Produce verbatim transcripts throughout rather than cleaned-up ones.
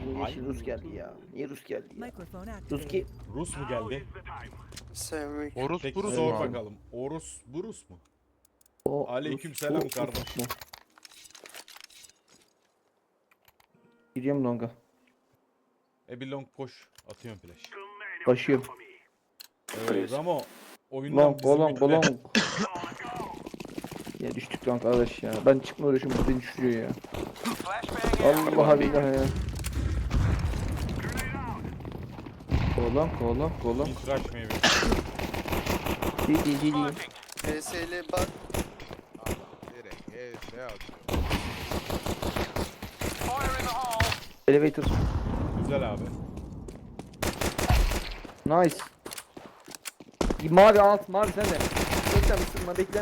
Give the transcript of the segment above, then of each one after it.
Niye Ay. şimdi Rus geldi ya? Niye Rus geldi ya? Microphone Rus activated. ki Rus mu geldi? Sevmek. Orus Peki burus sor mu? bakalım. Orus Burus mu? o Aleykümselam Rus, o, kardeş. Rus mu? Giriyorum longa. Ebilon koş. Atıyorum flash. Başıyorum. Ee, Ramo oyundan Long, bizim long, ülke- long. Ya düştük long arkadaş ya. Ben çıkma uğraşıyorum, bu beni düşürüyor ya. Allah billahi ya. Kolan, kolan, kolan. Mitraş meyve. Değil, değil, değil. P S L bak. Direkt E S atıyor. Elevator. Güzel abi. Nice. Mavi alt, mavi sen de. Bekle ısınma, bekle.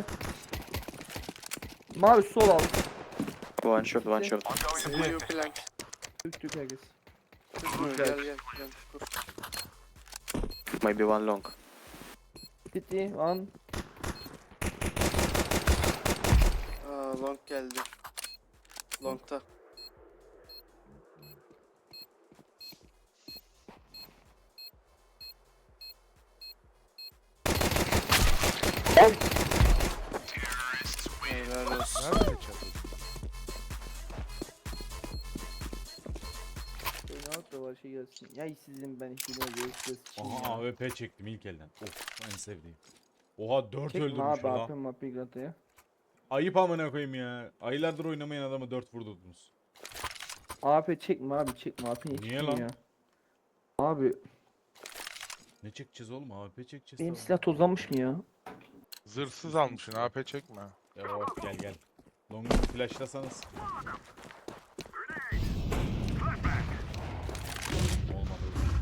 Mavi sol alt. One shot, one shot. Blue plank. Tük tük herkes. Kur, gel gel gel. Kur. Maybe one long. City, one. Aa, long geldi. Long'ta. Helal olsun. Nerede çatı? Beni alt da var şey gelsin. Ya sizin ben ihtimal görüşürüz. Aha A W P çektim ilk elden. Of en sevdiğim. Oha dört Çekme öldürmüş abi lan. apem mapi ya. Ayıp amına koyayım ya. Aylardır oynamayan adamı dört vurdurdunuz. A P çekme abi çekme A P'yi Niye çekme lan? ya. Abi Ne çekeceğiz oğlum? A W P çekeceğiz. benim tabii. silah tozlanmış mı ya? Zırhsız almışsın A P çekme. Ya of gel gel. Long'u flashlasanız. Olmadı.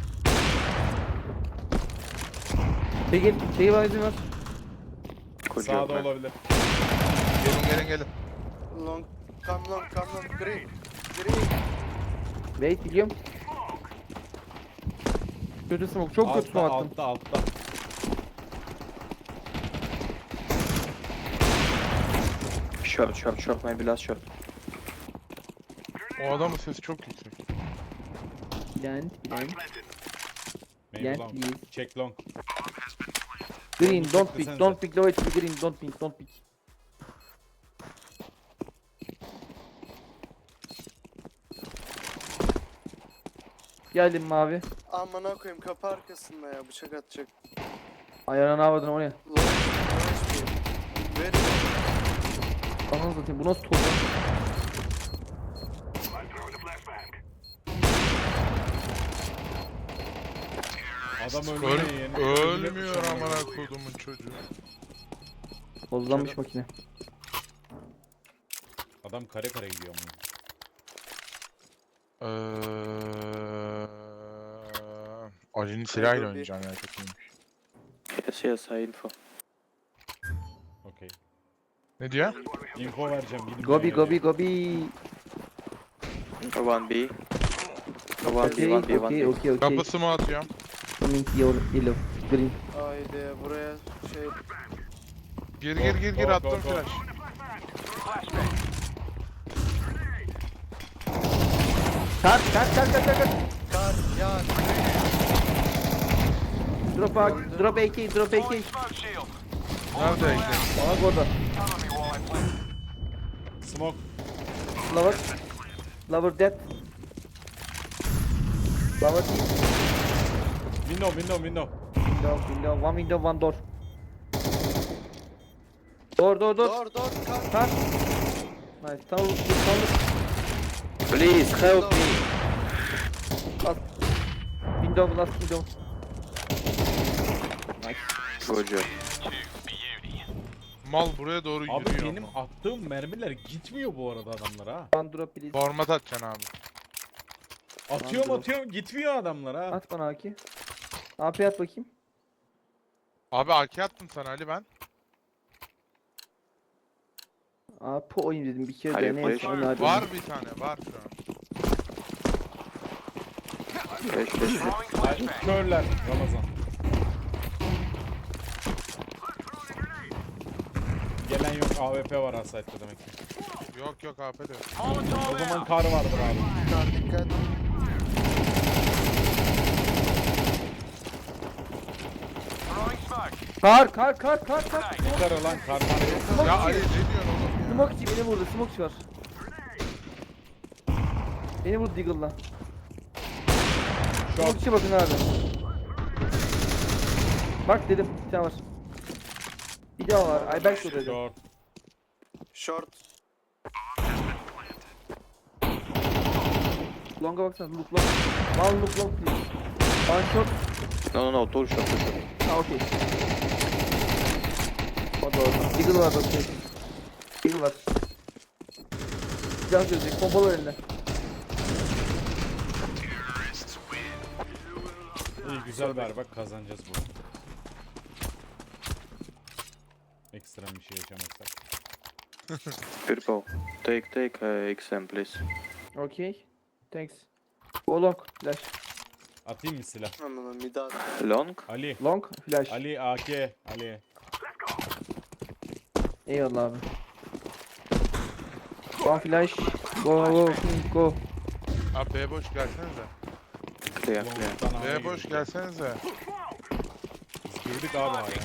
Peki şeyi var izin ver. Could you Sağda open? olabilir. Gelin gelin gelin. Long. Come long, come long. Green. Green. Wait biliyorum. Kötü smoke çok kötü Altta smoke attım. altta altta. Short, short, short, maybe last shot. O adamın sesi çok yüksek. Bilen bilen. Maybe Yes, long. yes. Check long. Green Long don't pick pick desenize. don't pick low H P green don't pick don't pick. Geldim mavi. Amına koyayım kapı arkasında ya bıçak atacak. Ayağına ne yapardın oraya? Long. Very long. Ananı satayım bu nasıl toz lan? Adam Öl ölmüyor yeni. ölmüyor amına kodumun çocuğu. Tozlanmış makine. Adam kare kare gidiyor ama. Eee... Ali'nin silahıyla oynayacağım ya çok iyiymiş. Yes, yes, I info. Okey. Ne diyor? Info vereceğim. Gidin Gobi buraya gobi diyor. gobi. One B. One B, Okay one B, one okay B. okay okay. Kapısı mı atıyorum? Coming yellow yellow green. Haydi buraya şey. Gir gir gir gir Go, go, attım go. flash. Kaç kaç kaç kaç kaç. kaç. Kar ya. Drop A drop A K drop A K. Nerede ekle? Bana orada. Smoke. Lover. Lover dead. Lover dead. Window window window. Window, window, one window, one door. Door, door, door. Dur dur kar. Cut. Nice. Tamam, tamam. Please help me. Last. Window, last window. Nice. Good job. Mal buraya doğru Abi yürüyor benim ama. attığım mermiler gitmiyor bu arada adamlara ha. One drop please. Format atacaksın abi. Atıyorum Tamam, atıyorum gitmiyor adamlar ha. At bana A K. A P at bakayım. Abi A K attım sana Ali ben. A P oyun dedim bir kere Hayır, de hayır. neyse. onu hadi. Var bir tane var şu an. Flash, flash, flash. Ay, körler Ramazan. Gelen yok A W P var ha site'de demek ki. Yok yok A P de. O zaman kar vardır abi. Kar dikkat. Kar kar kar kar kar. Yeter lan karmane. Smoke Ya içi. Ali ne diyorsun oğlum ya? Smoke içi beni vurdu. Smoke var. Beni vurdu Deagle'la. Smoke Short. içi bakın abi. Bak dedim. Bir tane var. Bir daha var. Ay ben dedim. Short. Short. Long'a baksana. Look long. One look long please. One shot. No, no, no, two shot, two shot. Ha okey. O doğru. Deagle var bak. Deagle var. Silah gözecek. Pompalı var elinde. İyi güzel ver bak kazanacağız bu. Ekstrem bir şey yaşamazsak. Purple. Take, take uh, X M, please. Okey. Thanks. Go long. Flash. Atayım mı silah? Anladım bir daha. Long. Ali. Long. Flash. Ali A K. Ali. Eyvallah abi. One flash. Go go go. Abi B boş gelsenize. Clear, clear. Long'dan A'ya B boş girdik. gelsenize. Biz girdik abi A'ya.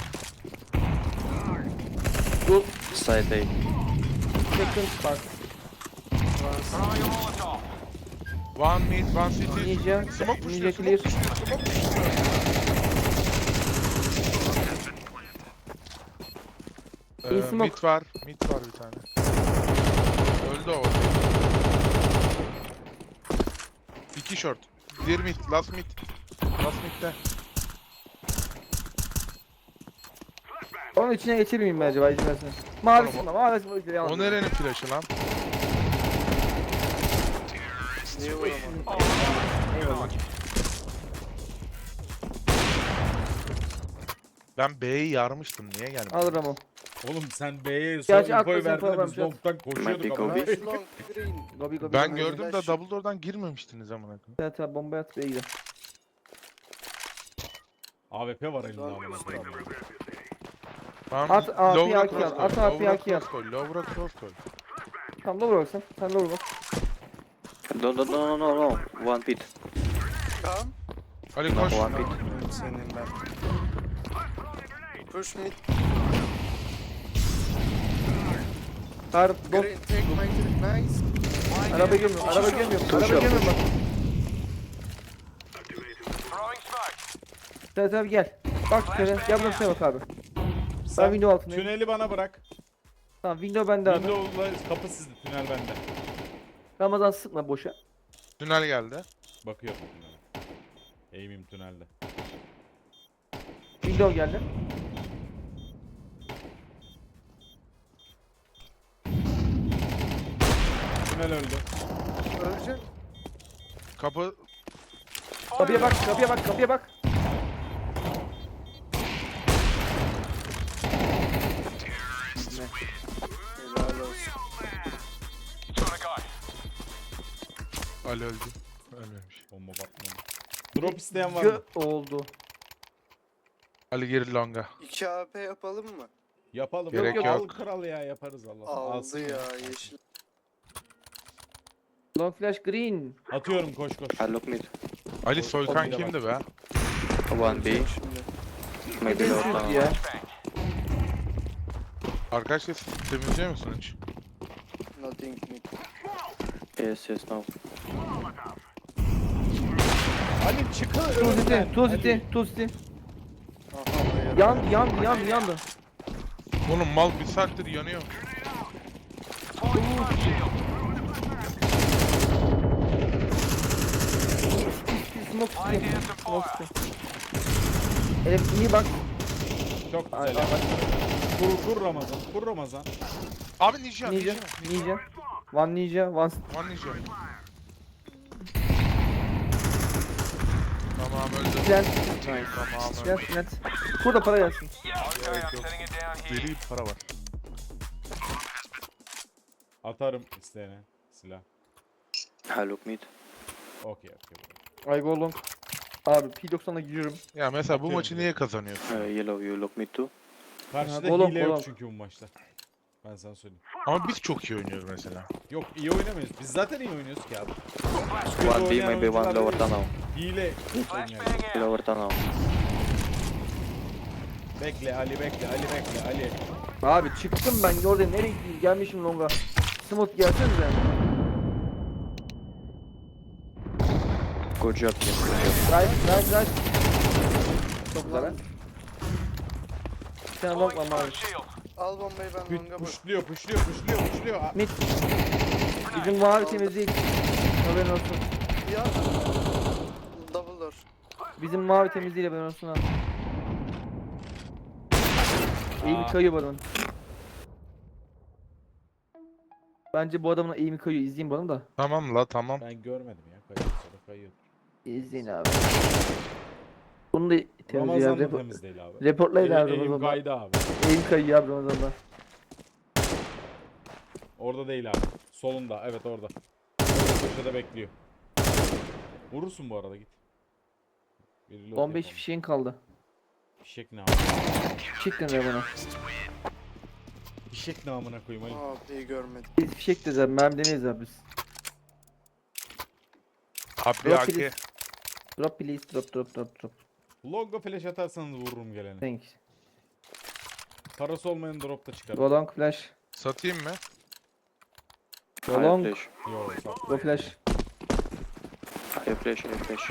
Go. Side A. Second spark. One mid, one city. Ninja. Smoke pushluyor, Ninja smoke clear. pushluyor, smoke pushluyor. İyi Ee, smoke. mid var, mid var bir tane. Öldü o. İki short. Bir mid, last mid. Last mid'de. Onun içine geçir miyim ben acaba izin versene. Mavisi mi? Mavisi mi? Yalnız. O nerenin flash'ı lan? Niye vuramadın? Eyvallah. Ben B'yi yarmıştım, niye gelmedi? Al Ramo. Oğlum sen B'ye son Gerçi infoyu haklısın, verdin de problem biz yok. long'dan koşuyorduk Might be ama. Kobe. Nice long green. Gobi gobi. Ben gobi. gördüm de flash. double door'dan girmemiştiniz amına koyayım. Evet abi bomba at B'ye gidelim. A W P var elinde amına koyayım. Tamam, At A P Lower'a A K cross al, koy, at A P Lower'a A K al. cross koy, Lower'a cross koy. Tamam lower bak sen. Sen lower bak. No, no, no, no, no, no. One pit. Come. Ali No, koş. one pit. Senin ben. Push mid. Kar dot. Green take my green. Nice. Araba gelmiyor. Araba gelmiyor. Two Araba shot. gelmiyor bak. Evet abi gel. Bak şöyle. Gel buraya şuraya bak abi. Ben window altındayım. Tüneli bana bırak. Tamam window bende abi. Windows'la kapı sizde, tünel bende. Ramazan sıkma boşa. Tünel geldi. Bakıyorum tünele. Aim'im tünelde. Window geldi. Tünel öldü. Ölecek. Kapı Kapıya bak, kapıya bak, kapıya bak. Helal olsun. Ali öldü. Ölmemiş. Bomba batmadı. Drop isteyen var Gö mı? oldu. Ali geri longa. iki A P yapalım mı? Yapalım. Gerek Al yok. kral ya yaparız Allah. Aldı Alsın. ya yeşil. Long flash green. Atıyorum koş koş. I look mid. Ali Soykan bir de kimdi be? One B. Şimdi. Maybe Ne lower benziyoruz tunnel. ya? Arkadaşlar temizliyor musun hiç? Nothing mid. Yes, yes, no. Ali çıkın Two city, önümden. two city, Ali. two city. Aha bayar. Yandı, yandı, yandı, yandı. Oğlum mal bir saattir yanıyor. Smoke city. Smoke city. Evet iyi bak. Çok Ay, güzel. ay, bak. Kur, kur Ramazan. Kur Ramazan. Abi ninja, ninja. Ninja, ninja. One ninja, one... One ninja. Tamam öldü. Plant, Tamam öldü. plant, plant. Burada para gelsin. Gerek yok. Deli bir para var. Atarım isteyene silah. I look mid. Okey okey. I go long. Abi P doksan'a giriyorum. Ya mesela bu Atıyorum maçı direkt. niye kazanıyorsun? Uh, yellow, you look mid too. Karşıda Ha, golem, hile yok golem. çünkü bu maçta. Ben sana söyleyeyim. Ama biz çok iyi oynuyoruz mesela. Yok iyi oynamıyoruz. Biz zaten iyi oynuyoruz ki abi. Kötü One B, oynayan maybe one oyuncular lower değiliz. tunnel. Hile oynuyor. Lower tunnel. Bekle Ali bekle Ali bekle Ali. Abi çıktım ben orada nereye gideyim gelmişim longa. Smooth gelsenize. Good job, team. Good job. Right right right. Çok güzel ha. Bir tane long var mavi. Al bombayı ben Pü- longa bak. Puşluyor puşluyor puşluyor puşluyor. Aa, Mid. Bizim mavi temiz değil. Haberin olsun. Ya. Double door. Bizim mavi temiz değil haberin olsun ha. İyi bir Aa. kayıyor bu adamın. Bence bu adamın iyi mi kayıyor izleyin bu adamı da. Tamam la tamam. Ben görmedim ya kayıyor sonra kayıyor. İzleyin abi. Bunu da temiz Ramazan ya. da Repor temiz değil abi. reportlayın abi Elim Ramazan'da. kaydı abi. Eğim kayıyor abi Ramazan'da. Orada değil abi. Solunda evet orada. Köşede bekliyor. Vurursun bu arada git. Bir reload on beş yapalım. fişeğin kaldı. Fişek ne abi? Çıktın ya bana. Fişek ne amına koyayım Ali. Aa iyi görmedim. Biz fişek de zaten mermi demeyiz abi biz. Abi Drop A K. please. Drop please drop drop drop drop. Logo flash atarsanız vururum geleni. Thanks. Parası olmayan drop da çıkar. Go long flash. Satayım mı? Go High long. flash. Yo sat. Go flash. High flash, high flash.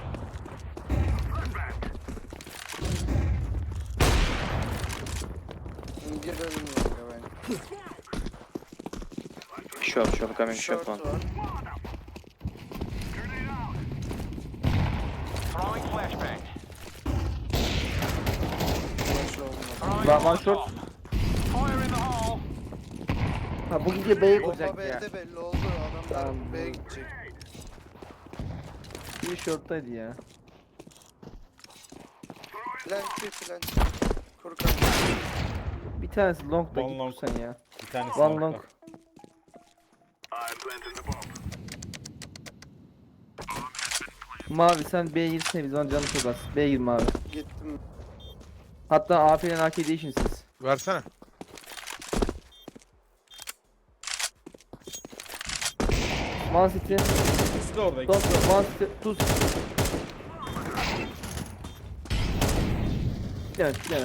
Girelim longa ben. Short, short coming, short Short one. var. Flash olmadı. One, one short. Ha bu gece B'ye Bomba olacak ya. B'de belli oldu. Adamlar Tamam, B'ye bu- gidecek. Bir shorttaydı ya. Plant bir plant. Kurkan. Bir tanesi long da One git long. sen ya. Bir tanesi One long'da. long. Mavi sen B'ye girsene biz ona canı çok az. B'ye gir mavi. Gittim. Hatta A P ile A K değişin siz. Versene. One city. İkisi de orada. Don't ikisi de go. One city. Two city. Gel gel.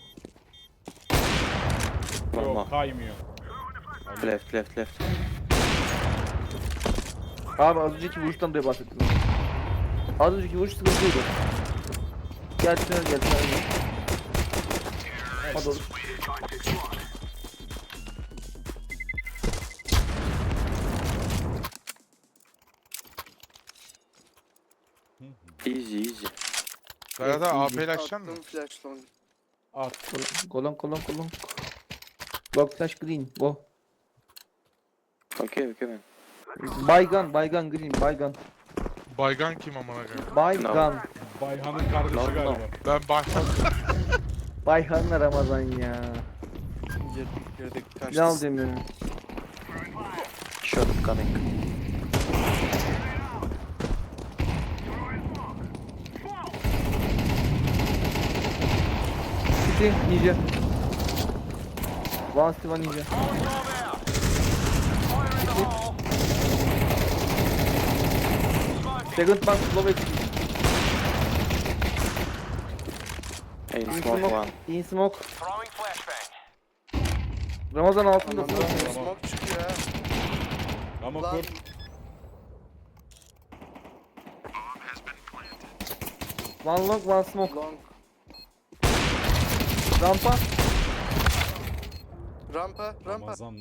One Yok more. kaymıyor. Ali. Left, left, left. Abi az önceki vuruştan dolayı bahsettim. Az önceki vuruş sıkıntıydı. Gel tünel gel tünel gel. Hadi oğlum. Easy, easy. Ferhat abi A P ile iyi. açacaksın mı? Attım flash long. At. Golon golon golon. Block flash green. Go. Okay, okay, man. Baygan baygan green baygan. Baygan kim amına koyayım? Baygan. Bayhan'ın kardeşi No, no. galiba. Ben Baygan. Bayhan'la Ramazan ya. Girdik girdik. Ne Kaçtı. al demiyorum. Short coming. City ninja. One city one ninja. Second box low H P. In In smoke smoke. one. In smoke. Ramazan altındasın. Adamdan smoke çıkıyor ha. Ama Lan kur. One long one smoke. long. Rampa. Rampa rampa. Ramazan.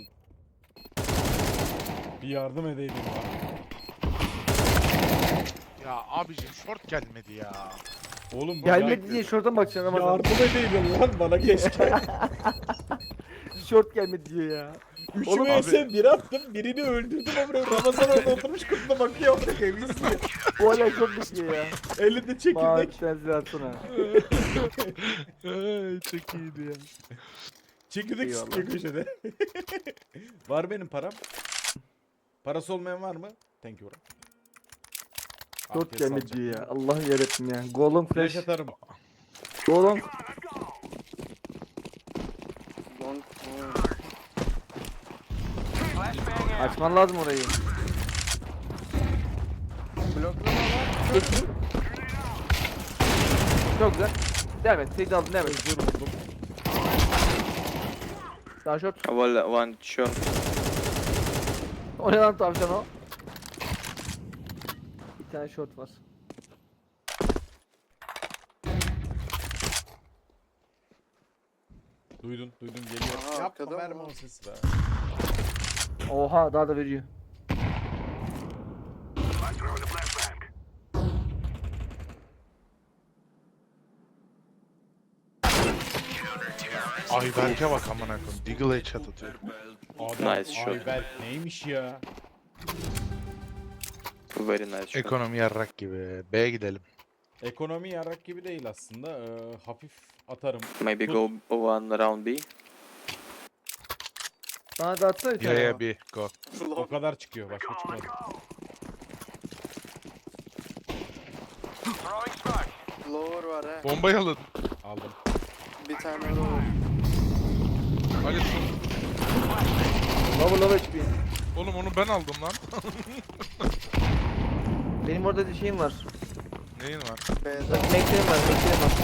Bir yardım edeydim ya. Ya abicim short gelmedi ya. Oğlum bu Gelmedi ya- diye şorta bakacaksın Ramazan. Yardım edeydim lan bana keşke. Şort gelmedi diyor ya. Üçümü ise bir attım birini öldürdüm ama Ramazan orada oturmuş kutuna bakıyor. izliyor. Bu hala şort bakıyor ya. Elinde Mavi çekirdek. sensin atsana. Çok iyiydi ya. Çekirdek Eyvallah. sıkıyor köşede. Var benim param. Parası olmayan var mı? Thank you bro. Şort Afiyet gelmedi sağlıcakla. diyor ya. Allah'ım yarabbim ya. Golden Flash flash. atarım. Golden. Long. Açman lazım orayı. Bloklama var. Geçin. Çok güzel. Devam et. Seyit aldın devam et. Özür buldum. Daha short. Well, one short. O ne lan tavşan o? Bir tane short var. Duydun, duydun geliyor. Aha, Yapma arkada mı verme lan? o sesi be. Oha daha da veriyor. Ayberk'e bak amına koyayım. Deagle headshot atıyor. Adam Nice shot. Ayberk neymiş ya? Very nice shot. Ekonomi yarrak gibi. B'ye gidelim. Ekonomi yarak gibi değil aslında. Ee, hafif atarım. Maybe Tut. go one round B. Bana da atsana bir Ya tane. ya bir go. O kadar çıkıyor. Başka çıkmadı. Lower var he. Bombayı alın. Aldım. Bir tane lower. Ali son. Lover lover H P. Oğlum onu ben aldım lan. Benim orada bir şeyim var. Neyin var? B'de. Meklerim var, meklerim var.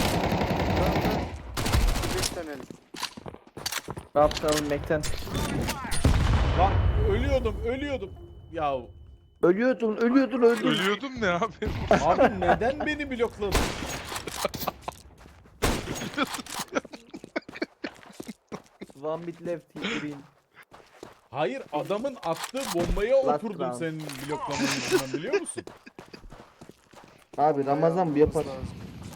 Bir dönelim. Raptalım mekten. Lan ölüyordum, ölüyordum. Ya Ölüyordun, ölüyordun, öldün. Ölüyordum ne abi? abi neden beni blokladın? One bit left, green. Hayır adamın attığı bombaya Last oturdum round. senin bloklaman yüzünden biliyor musun? Abi Ramazan bu yapar. Lazım.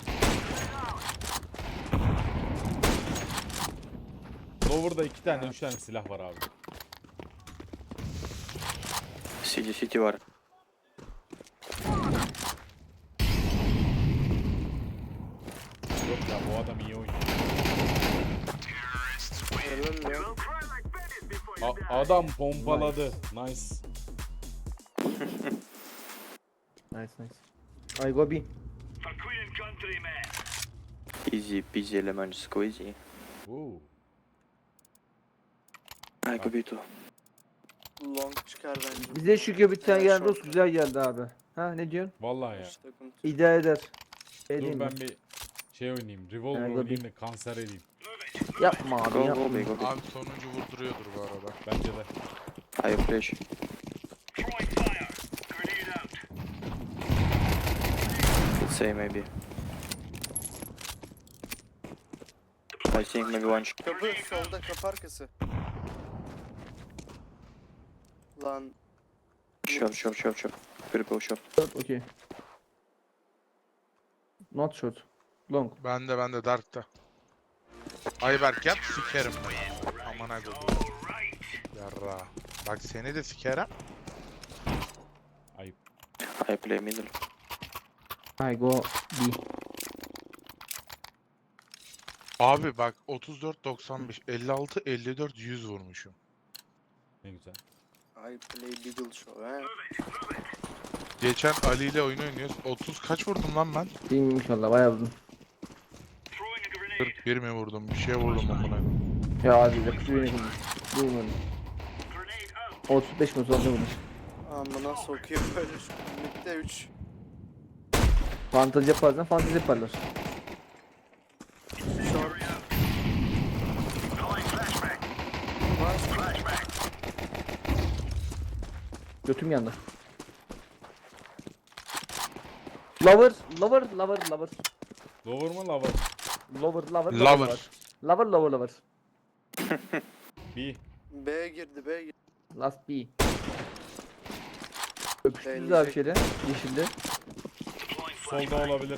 Lower'da iki tane, üç tane silah var abi. City city var. Yok ya bu adam iyi oynuyor. Helal ya. A- adam pompaladı. Nice. Nice nice. I go B. Easy peasy lemon squeezy. Oo. I go B too. Long çıkar bence. Bize şu bir tane Ya, gelen short. Rus güzel geldi abi. Ha ne diyorsun? Vallahi ya. Hiç takım- İdare eder. Şey Dur diyeyim mi? ben bir şey oynayayım. Revolver Yani oynayayım da kanser edeyim. Yapma abi Go yapma. go B go B. Abi sonuncu vurduruyordur bu arada. Bence de. I flash. Let's say maybe. I think maybe one sh- Kapı solda kapı arkası. Lan short short short short. Purple short. Short, okay. Not short. Long. Ben de ben de Dark'ta. Ayberk yap sikerim ben. Aman ha koyayım. Yarra. Bak seni de sikerim. Ayıp. I play middle. I go B. Abi bak otuz dört doksan beş elli altı elli dört yüz vurmuşum. Ne güzel. I play Beagle Show he. Geçen Ali ile oyun oynuyoruz. otuz kaç vurdum lan ben? Bilmiyorum inşallah bayağı uzun. kırk bir mi vurdum? Bir şey vurdum amına. Ya abi de kısa yönetim. Duymadım. otuz beş mi sonra vurmuş. Amına sokuyor böyle şu midde üç. Fantezi yaparsan fantezi yaparlar. Short. Götüm yandı. Lover, lover, lover, lover. Lower mı lover? Lover, lover, Lover. Lover, lover, lover. B. B girdi B girdi. Last B. Öpüştünüz Deneyecek. abi şeyde, yeşilde. Solda olabilir.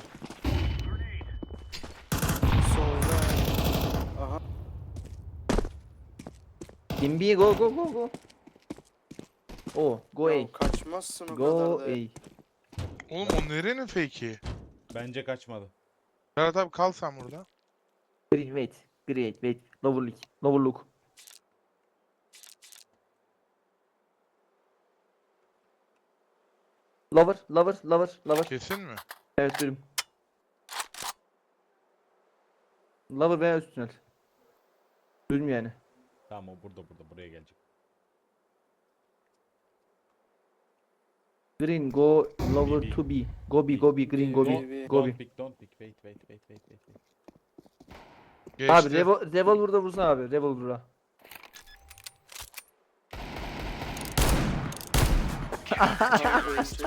Solda. Aha. In B, go, go, go, go. Oh, go Ya A. kaçmazsın o Go kadar da. A. Oğlum o nerenin fake'i? Bence kaçmadı. Berat abi kal sen burada. Green, wait. Great, wait. Lower look. Lower look. Lover, lover, lover, lover. Kesin mi? Evet durum. Lover veya üst tünel. Durum yani. Tamam o burada burada buraya gelecek. Green, go lower B, B. to B. Go B, go B, green, go B, B. B. Go B. Don't pick, don't pick. Wait, wait, wait, wait, wait. wait. Geçti. Abi Revol Revolver'da vursana abi. Revolver'a. Abi ölecek.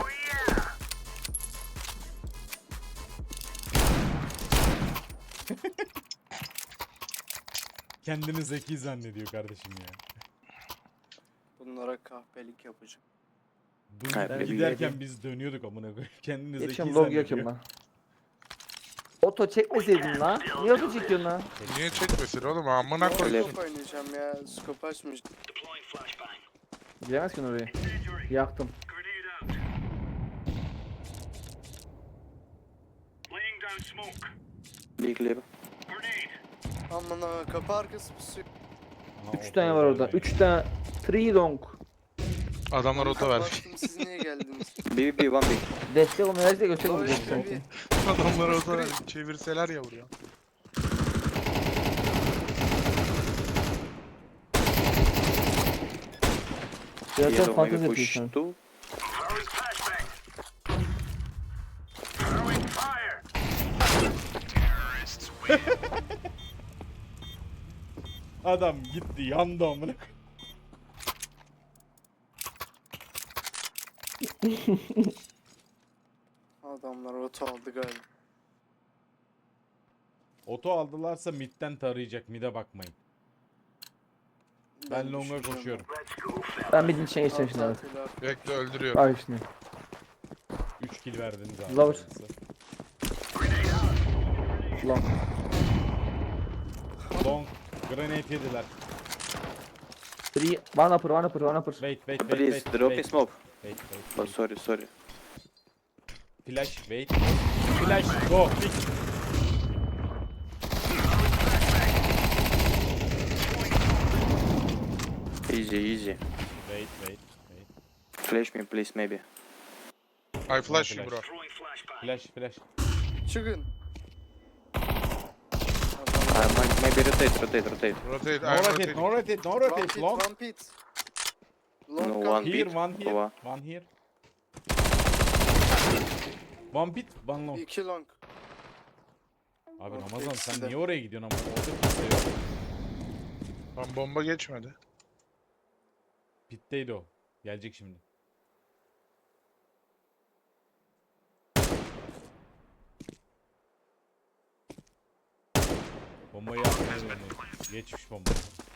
Kendini zeki zannediyor kardeşim ya. Bunlara kahpelik yapacağım. Dur, Hayır, giderken bir- biz dönüyorduk amına koyayım. Kendini zeki Geçiyorum log zannediyor. yakıyorum ben. Oto çekmeseydin lan. Niye oto çekiyorsun lan? Niye çekmesin oğlum amına koyayım. Scope oynayacağım ya. Scope açmayacağım. Giremez ki oraya. Yaktım. Be clear. Aman ha kapı arkası pusuyor. Aha, Üç ortada tane var orada. vermeyin. Üç tane. Three long. Adamlar oto vermiş. Baktım siz niye geldiniz? B, B, one B. Destek olma herkese göstek Oy, olacak tabii. sanki. Adamlar oto vermiş. Çevirseler ya buraya. Biraz Yellow fantezi maybe push yapıyorsun. two. Adam gitti yandı amına koyayım. Adamlar oto aldı galiba. Oto aldılarsa midden tarayacak, mide bakmayın. Ben longa düşünmüyorum. koşuyorum. Ben bir dinçe geçeceğim şimdi abi. Altı altıyla abi. Bekle öldürüyorum. Bak şimdi. üç kill verdiniz abi. Lower. Size. Long. Long. Grenade yediler. Three. One upper, one upper, one upper. Wait, wait, wait, Please, wait. drop wait. in smoke. Wait, wait, Oh, wait. sorry, sorry. Flash, wait. Flash, go, pick. Easy, easy. Wait, wait, wait. Flash me, please, maybe. I flash you Flash. bro. Flash, flash. Çıkın. I might maybe rotate, rotate, rotate. Rotate, No I'm rotate, rotating. no rotate, no One rotate. pit, Long. one pit. Long No, come. one Here, pit. one here, Ova. one here. One pit, one long. İki long. Abi Long Ramazan sen ikisi de. niye oraya gidiyorsun ama orada kimse yok. Lan bomba geçmedi. Pitteydi o. Gelecek şimdi. Bombayı atmaya dönüyor. Geçmiş bomba.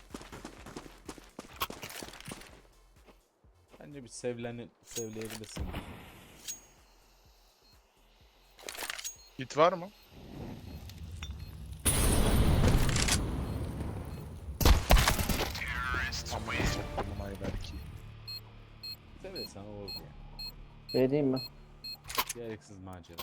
Bence bir sevleni sevleyebilirsin. Hit var mı? Amına soktum ay belki. Seversen olur ya. Şey diyeyim mi? Gereksiz macera.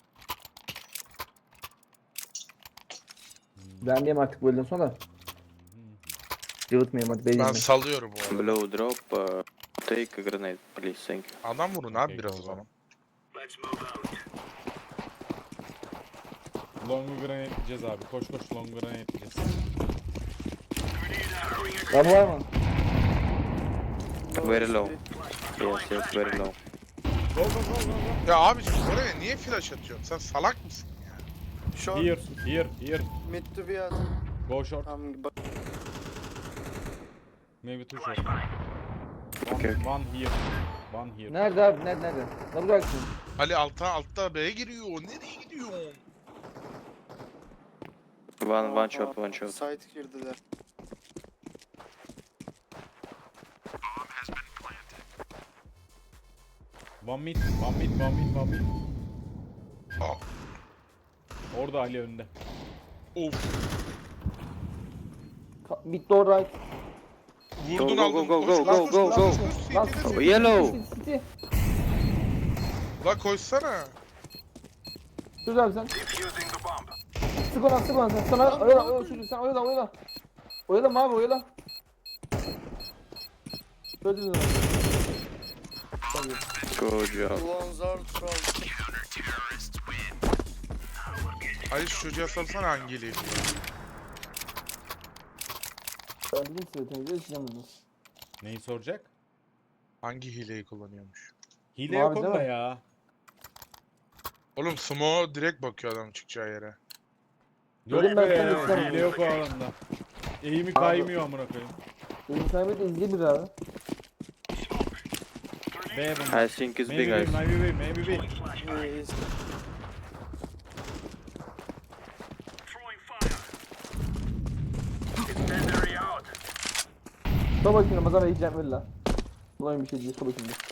Ben diyeyim artık bu elden sonra da. Cıvıtmayayım hadi Ben belirleyeyim. salıyorum bu arada. Blow drop. Uh, take a grenade, please, thank you. Adam vurun abi Okey, biraz o go, go. zaman. Long'u grenade edeceğiz abi. Koş koş long grenade edeceğiz. Lan var mı? Very low. Yes, yes, very low. Go go go go go. Ya abicim oraya niye flash atıyorsun? Sen salak mısın ya? Short. Here, here, here. Mid to be at. Go short. Tamam bak. Maybe two short. One, Okay. one here. One here. Nerede abi? Nerede? Nerede? Ne bıraksın? Ali altta altta B'ye giriyor. Nereye gidiyor? One, one shot, one shot. Site girdiler. One mid, one mid, one mid, one mid. Aa, Orada Ali önde. of. Ka- Mid door right. Vurdun go, aldın. go, Koş, go, lan go, koş, go, lan go. koş, koş, Lan City'de Oh, City. yellow. City, City. La koşsana. Dur abi sen. Sık ona sık ona sen. Sana oyala oyala çocuğum sen oyala oyala. Oyala abi oyala. Öldürdün onu. Good job. Ulan zar troll. Ali şu çocuğa salsana hangi hileyi kullanıyor? Ben dedim size temizle içeceğim bunu. Neyi soracak? Hangi hileyi kullanıyormuş? Hile Mavi yok değil onda mi? ya. Oğlum Smo direkt bakıyor adam çıkacağı yere. Yok Dedim be ben sana ya. istemem. Hile yok o alanda. Eğimi kaymıyor amına koyayım. Benim sahibi izleyebilir abi. B bunlar. I think it's big, Maybe B, guys. maybe B, maybe B. Yes. Dur bakayım Ramazan Bey cevap ver lan. Bulayım bir şey diye, dur bakayım bir.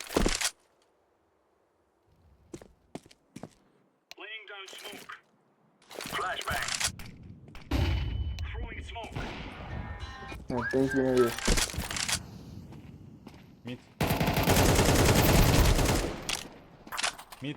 Laying down smoke. Flashbang. Throwing smoke. Evet, ben hiç yeniliyor. Mid. Mid.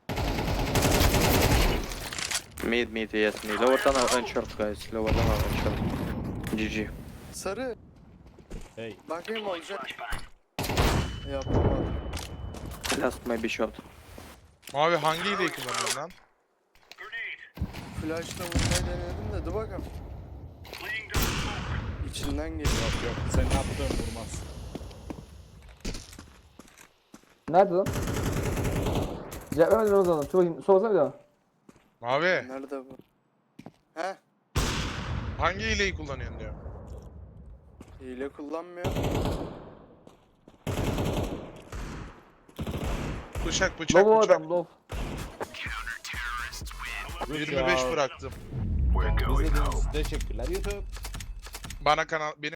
Mid, mid, yes, mid. Lower tunnel and short, guys. Lower tunnel and short. G G. Sarı. Hey. Bakayım olacak. Flashbang. Yapamadım. Last maybe short. Mavi hangi hileyi kullanıyorsun lan? Grenade. Flash'la vurmayı denedim de dur bakalım. Laying down smoke. İçinden geliyor. Yok yok. Senin attığın vurmaz. Nerede lan? Cevap vermedin Ramazan'a. Dur bakayım, sorsana bir daha. Mavi Nerede bu? He? hangi hileyi kullanıyorsun diyor. Hile kullanmıyor. Bıçak bıçak Lobo bıçak. adam, low. yirmi beş bıraktım. We're going İzlediğiniz için teşekkürler YouTube. Bana kanal benim